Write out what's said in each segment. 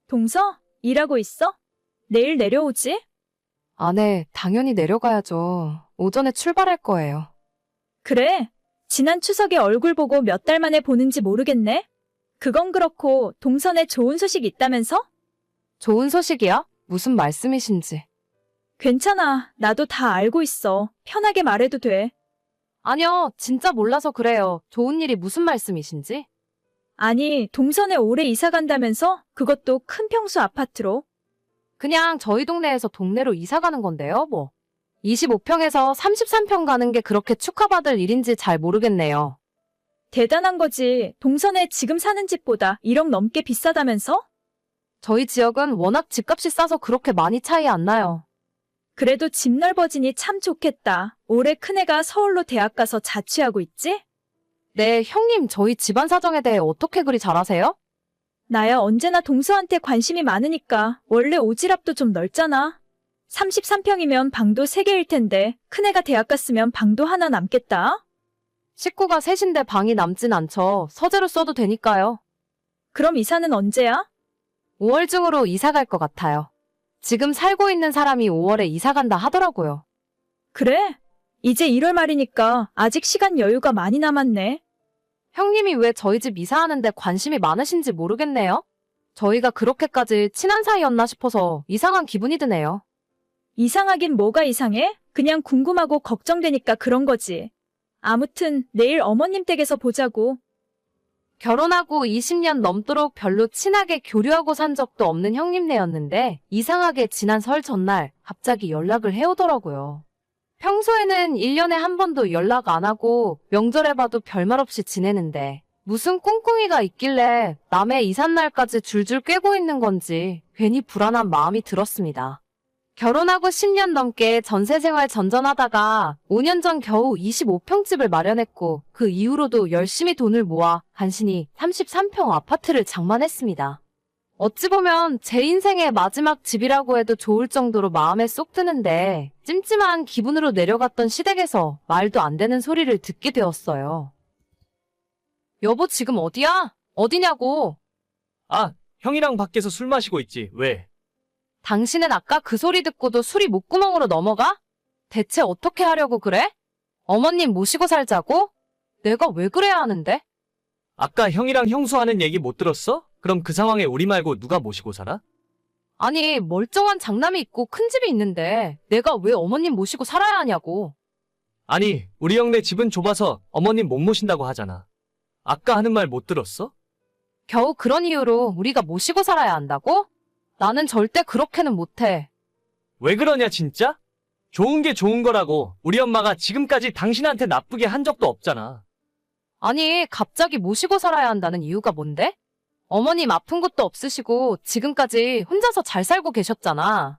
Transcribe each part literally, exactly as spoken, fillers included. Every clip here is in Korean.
동서? 일하고 있어? 내일 내려오지? 아, 네, 당연히 내려가야죠. 오전에 출발할 거예요. 그래. 지난 추석에 얼굴 보고 몇 달 만에 보는지 모르겠네. 그건 그렇고 동선에 좋은 소식 있다면서? 좋은 소식이야? 무슨 말씀이신지. 괜찮아. 나도 다 알고 있어. 편하게 말해도 돼. 아니요, 진짜 몰라서 그래요. 좋은 일이 무슨 말씀이신지? 아니, 동선에 올해 이사 간다면서? 그것도 큰 평수 아파트로. 그냥 저희 동네에서 동네로 이사 가는 건데요, 뭐. 이십오 평에서 삼십삼 평 가는 게 그렇게 축하받을 일인지 잘 모르겠네요. 대단한 거지. 동선에 지금 사는 집보다 일억 넘게 비싸다면서? 저희 지역은 워낙 집값이 싸서 그렇게 많이 차이 안 나요. 그래도 집 넓어지니 참 좋겠다. 올해 큰애가 서울로 대학 가서 자취하고 있지? 네, 형님, 저희 집안 사정에 대해 어떻게 그리 잘 아세요? 나야 언제나 동서한테 관심이 많으니까. 원래 오지랖도 좀 넓잖아. 삼십삼 평이면 방도 세 개일 텐데 큰애가 대학 갔으면 방도 하나 남겠다. 식구가 셋인데 방이 남진 않죠. 서재로 써도 되니까요. 그럼 이사는 언제야? 오월 중으로 이사 갈 것 같아요. 지금 살고 있는 사람이 오월에 이사 간다 하더라고요. 그래? 이제 일월 말이니까 아직 시간 여유가 많이 남았네. 형님이 왜 저희 집 이사하는데 관심이 많으신지 모르겠네요. 저희가 그렇게까지 친한 사이였나 싶어서 이상한 기분이 드네요. 이상하긴 뭐가 이상해? 그냥 궁금하고 걱정되니까 그런 거지. 아무튼 내일 어머님 댁에서 보자고. 결혼하고 이십 년 넘도록 별로 친하게 교류하고 산 적도 없는 형님네였는데 이상하게 지난 설 전날 갑자기 연락을 해오더라고요. 평소에는 일 년에 한 번도 연락 안 하고 명절에 봐도 별말 없이 지내는데 무슨 꿍꿍이가 있길래 남의 이삿날까지 줄줄 꿰고 있는 건지 괜히 불안한 마음이 들었습니다. 결혼하고 십 년 넘게 전세생활 전전하다가 오 년 전 겨우 이십오 평집을 마련했고 그 이후로도 열심히 돈을 모아 간신히 삼십삼 평 아파트를 장만했습니다. 어찌 보면 제 인생의 마지막 집이라고 해도 좋을 정도로 마음에 쏙 드는데 찜찜한 기분으로 내려갔던 시댁에서 말도 안 되는 소리를 듣게 되었어요. 여보, 지금 어디야? 어디냐고? 아, 형이랑 밖에서 술 마시고 있지. 왜? 당신은 아까 그 소리 듣고도 술이 목구멍으로 넘어가? 대체 어떻게 하려고 그래? 어머님 모시고 살자고? 내가 왜 그래야 하는데? 아까 형이랑 형수 하는 얘기 못 들었어? 그럼 그 상황에 우리 말고 누가 모시고 살아? 아니, 멀쩡한 장남이 있고 큰 집이 있는데 내가 왜 어머님 모시고 살아야 하냐고. 아니, 우리 형네 집은 좁아서 어머님 못 모신다고 하잖아. 아까 하는 말 못 들었어? 겨우 그런 이유로 우리가 모시고 살아야 한다고? 나는 절대 그렇게는 못해. 왜 그러냐 진짜? 좋은 게 좋은 거라고. 우리 엄마가 지금까지 당신한테 나쁘게 한 적도 없잖아. 아니, 갑자기 모시고 살아야 한다는 이유가 뭔데? 어머님 아픈 것도 없으시고 지금까지 혼자서 잘 살고 계셨잖아.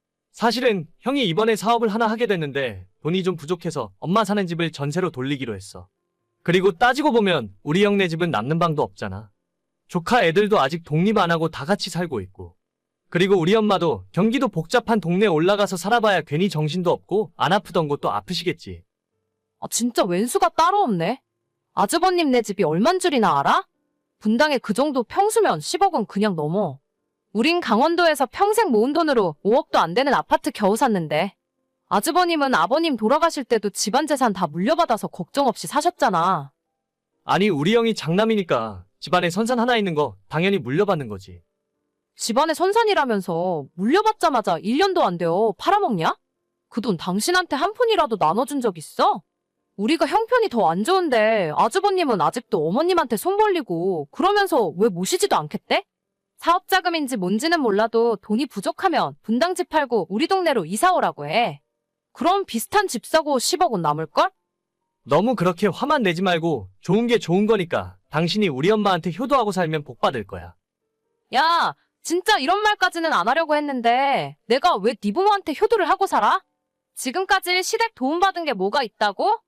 사실은 형이 이번에 사업을 하나 하게 됐는데 돈이 좀 부족해서 엄마 사는 집을 전세로 돌리기로 했어. 그리고 따지고 보면 우리 형네 집은 남는 방도 없잖아. 조카 애들도 아직 독립 안 하고 다 같이 살고 있고. 그리고 우리 엄마도 경기도 복잡한 동네 올라가서 살아봐야 괜히 정신도 없고 안 아프던 것도 아프시겠지. 아, 진짜 왼수가 따로 없네. 아주버님네 집이 얼만 줄이나 알아? 분당에 그 정도 평수면 십억은 그냥 넘어. 우린 강원도에서 평생 모은 돈으로 오억도 안 되는 아파트 겨우 샀는데. 아주버님은 아버님 돌아가실 때도 집안 재산 다 물려받아서 걱정 없이 사셨잖아. 아니 우리 형이 장남이니까 집안에 선산 하나 있는 거 당연히 물려받는 거지. 집안에 선산이라면서 물려받자마자 일 년도 안 되어 팔아먹냐? 그 돈 당신한테 한 푼이라도 나눠준 적 있어? 우리가 형편이 더 안 좋은데 아주버님은 아직도 어머님한테 손 벌리고 그러면서 왜 모시지도 않겠대? 사업자금인지 뭔지는 몰라도 돈이 부족하면 분당집 팔고 우리 동네로 이사 오라고 해. 그럼 비슷한 집 사고 십억은 남을걸? 너무 그렇게 화만 내지 말고 좋은 게 좋은 거니까 당신이 우리 엄마한테 효도하고 살면 복 받을 거야. 야, 진짜 이런 말까지는 안 하려고 했는데 내가 왜 네 부모한테 효도를 하고 살아? 지금까지 시댁 도움받은 게 뭐가 있다고?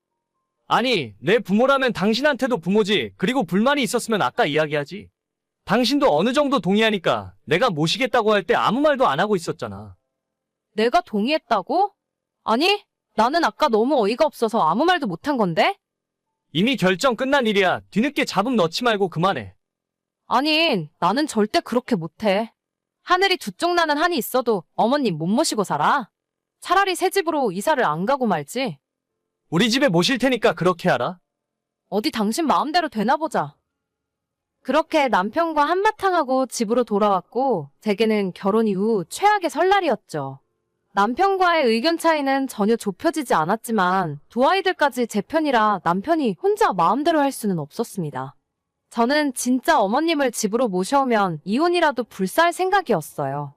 아니 내 부모라면 당신한테도 부모지. 그리고 불만이 있었으면 아까 이야기하지. 당신도 어느 정도 동의하니까 내가 모시겠다고 할 때 아무 말도 안 하고 있었잖아. 내가 동의했다고? 아니, 나는 아까 너무 어이가 없어서 아무 말도 못한 건데? 이미 결정 끝난 일이야. 뒤늦게 잡음 넣지 말고 그만해. 아니, 나는 절대 그렇게 못해. 하늘이 두 쪽 나는 한이 있어도 어머님 못 모시고 살아. 차라리 새 집으로 이사를 안 가고 말지. 우리 집에 모실 테니까 그렇게 하라. 어디 당신 마음대로 되나 보자. 그렇게 남편과 한바탕하고 집으로 돌아왔고 제게는 결혼 이후 최악의 설날이었죠. 남편과의 의견 차이는 전혀 좁혀지지 않았지만 두 아이들까지 제 편이라 남편이 혼자 마음대로 할 수는 없었습니다. 저는 진짜 어머님을 집으로 모셔오면 이혼이라도 불사할 생각이었어요.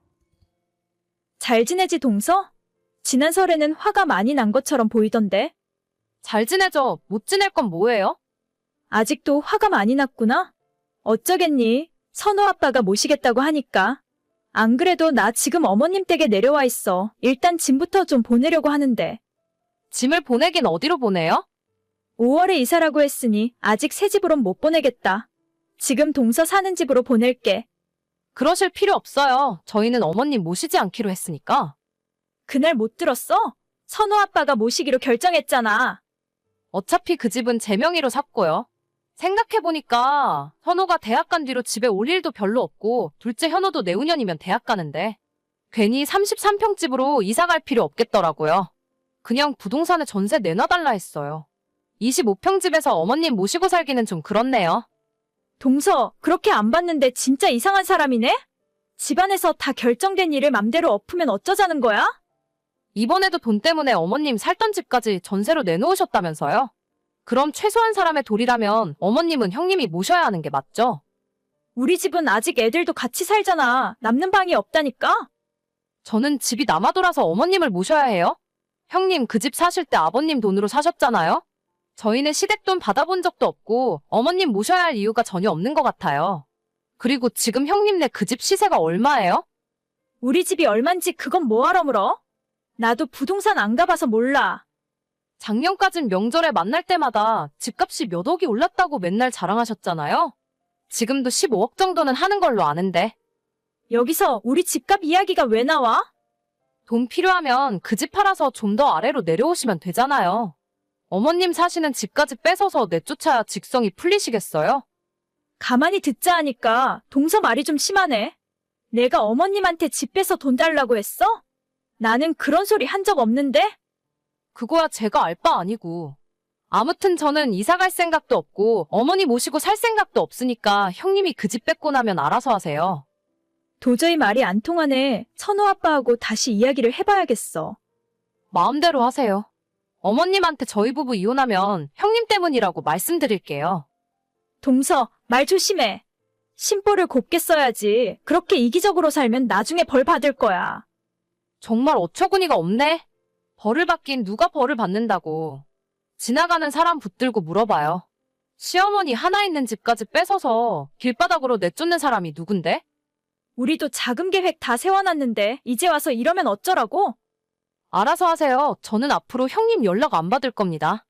잘 지내지, 동서? 지난 설에는 화가 많이 난 것처럼 보이던데. 잘 지내죠? 못 지낼 건 뭐예요? 아직도 화가 많이 났구나? 어쩌겠니? 선호 아빠가 모시겠다고 하니까. 안 그래도 나 지금 어머님 댁에 내려와 있어. 일단 짐부터 좀 보내려고 하는데. 짐을 보내긴 어디로 보내요? 오월에 이사라고 했으니 아직 새 집으론 못 보내겠다. 지금 동서 사는 집으로 보낼게. 그러실 필요 없어요. 저희는 어머님 모시지 않기로 했으니까. 그날 못 들었어? 선호 아빠가 모시기로 결정했잖아. 어차피 그 집은 제 명의로 샀고요. 생각해보니까 현호가 대학 간 뒤로 집에 올 일도 별로 없고 둘째 현호도 내후년이면 대학 가는데 괜히 삼십삼 평 집으로 이사 갈 필요 없겠더라고요. 그냥 부동산에 전세 내놔달라 했어요. 이십오 평 집에서 어머님 모시고 살기는 좀 그렇네요. 동서, 그렇게 안 봤는데 진짜 이상한 사람이네? 집안에서 다 결정된 일을 맘대로 엎으면 어쩌자는 거야? 이번에도 돈 때문에 어머님 살던 집까지 전세로 내놓으셨다면서요? 그럼 최소한 사람의 도리라면 어머님은 형님이 모셔야 하는 게 맞죠? 우리 집은 아직 애들도 같이 살잖아. 남는 방이 없다니까? 저는 집이 남아돌아서 어머님을 모셔야 해요? 형님 그 집 사실 때 아버님 돈으로 사셨잖아요? 저희는 시댁돈 받아본 적도 없고 어머님 모셔야 할 이유가 전혀 없는 것 같아요. 그리고 지금 형님네 그 집 시세가 얼마예요? 우리 집이 얼만지 그건 뭐하러 물어? 나도 부동산 안 가봐서 몰라. 작년까진 명절에 만날 때마다 집값이 몇 억이 올랐다고 맨날 자랑하셨잖아요? 지금도 십오억 정도는 하는 걸로 아는데. 여기서 우리 집값 이야기가 왜 나와? 돈 필요하면 그 집 팔아서 좀 더 아래로 내려오시면 되잖아요. 어머님 사시는 집까지 뺏어서 내쫓아야 직성이 풀리시겠어요? 가만히 듣자 하니까 동서 말이 좀 심하네. 내가 어머님한테 집 빼서 돈 달라고 했어? 나는 그런 소리 한 적 없는데? 그거야 제가 알 바 아니고. 아무튼 저는 이사 갈 생각도 없고 어머니 모시고 살 생각도 없으니까 형님이 그 집 뺏고 나면 알아서 하세요. 도저히 말이 안 통하네. 선호 아빠하고 다시 이야기를 해봐야겠어. 마음대로 하세요. 어머님한테 저희 부부 이혼하면 형님 때문이라고 말씀드릴게요. 동서, 말 조심해. 심보를 곱게 써야지. 그렇게 이기적으로 살면 나중에 벌 받을 거야. 정말 어처구니가 없네. 벌을 받긴 누가 벌을 받는다고. 지나가는 사람 붙들고 물어봐요. 시어머니 하나 있는 집까지 뺏어서 길바닥으로 내쫓는 사람이 누군데? 우리도 자금 계획 다 세워놨는데 이제 와서 이러면 어쩌라고? 알아서 하세요. 저는 앞으로 형님 연락 안 받을 겁니다.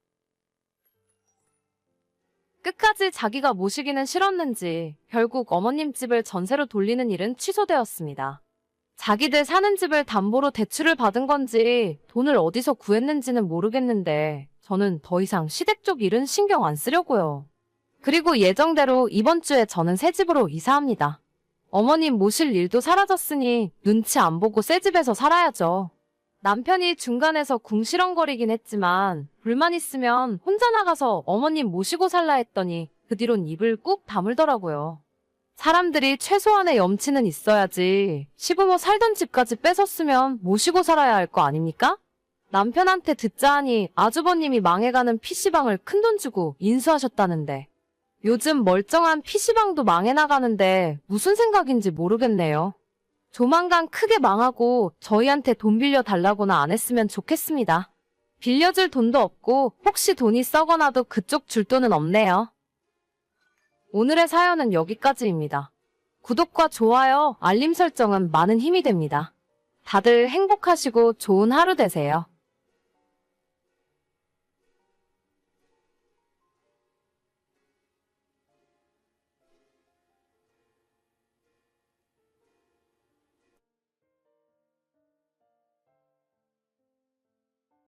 끝까지 자기가 모시기는 싫었는지 결국 어머님 집을 전세로 돌리는 일은 취소되었습니다. 자기들 사는 집을 담보로 대출을 받은 건지 돈을 어디서 구했는지는 모르겠는데 저는 더 이상 시댁 쪽 일은 신경 안 쓰려고요. 그리고 예정대로 이번 주에 저는 새 집으로 이사합니다. 어머님 모실 일도 사라졌으니 눈치 안 보고 새 집에서 살아야죠. 남편이 중간에서 궁시렁거리긴 했지만 불만 있으면 혼자 나가서 어머님 모시고 살라 했더니 그 뒤론 입을 꾹 다물더라고요. 사람들이 최소한의 염치는 있어야지 시부모 살던 집까지 뺏었으면 모시고 살아야 할 거 아닙니까? 남편한테 듣자 하니 아주버님이 망해가는 피시방을 큰돈 주고 인수하셨다는데 요즘 멀쩡한 피시방도 망해 나가는데 무슨 생각인지 모르겠네요. 조만간 크게 망하고 저희한테 돈 빌려 달라고나 안 했으면 좋겠습니다. 빌려줄 돈도 없고 혹시 돈이 썩어나도 그쪽 줄 돈은 없네요. 오늘의 사연은 여기까지입니다. 구독과 좋아요, 알림 설정은 많은 힘이 됩니다. 다들 행복하시고 좋은 하루 되세요.